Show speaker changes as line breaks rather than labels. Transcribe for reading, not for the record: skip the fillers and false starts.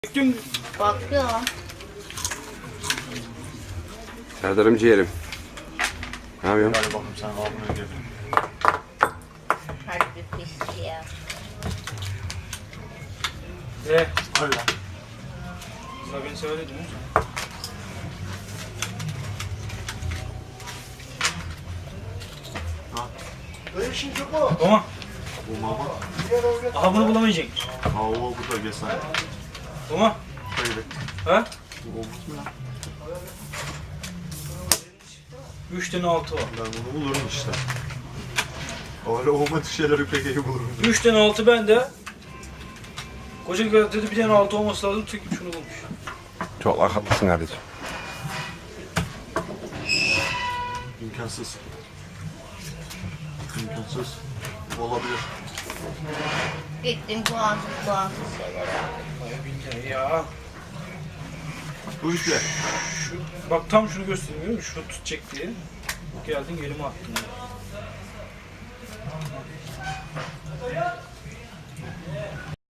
Dün
Bakıyorum.
Serdar'ım ciğerim. Ne yapıyorsun?
Hadi bakayım sen abone gel.
Hadi bir pis ya.
Hadi lan.
sana beni söyledin mi?
Böyle şey yok mu?
Ama
Bu mama.
aha bunu bulamayacaksın.
Ha o bu da gel sen.
Ama
Hayır.
ha?
Bu olmaz mı lan?
3 tane 6 var.
Ben bunu bulurum işte. Öyle olmadık şeyleri pek iyi bulurum.
3 tane 6 bende. Koca dedi bir tane 6 olması lazım. Tek şunu bulmuş.
Çok haklısın kardeşim.
İmkansız. İmkansız. Olabilir.
Gittim puansız şeyler aldım.
Ay billahi ya.
Bu işte.
Bak tam şunu göstereyim, görüyor musun? Şunu tutacak diye. Geldin elime attın. Ya.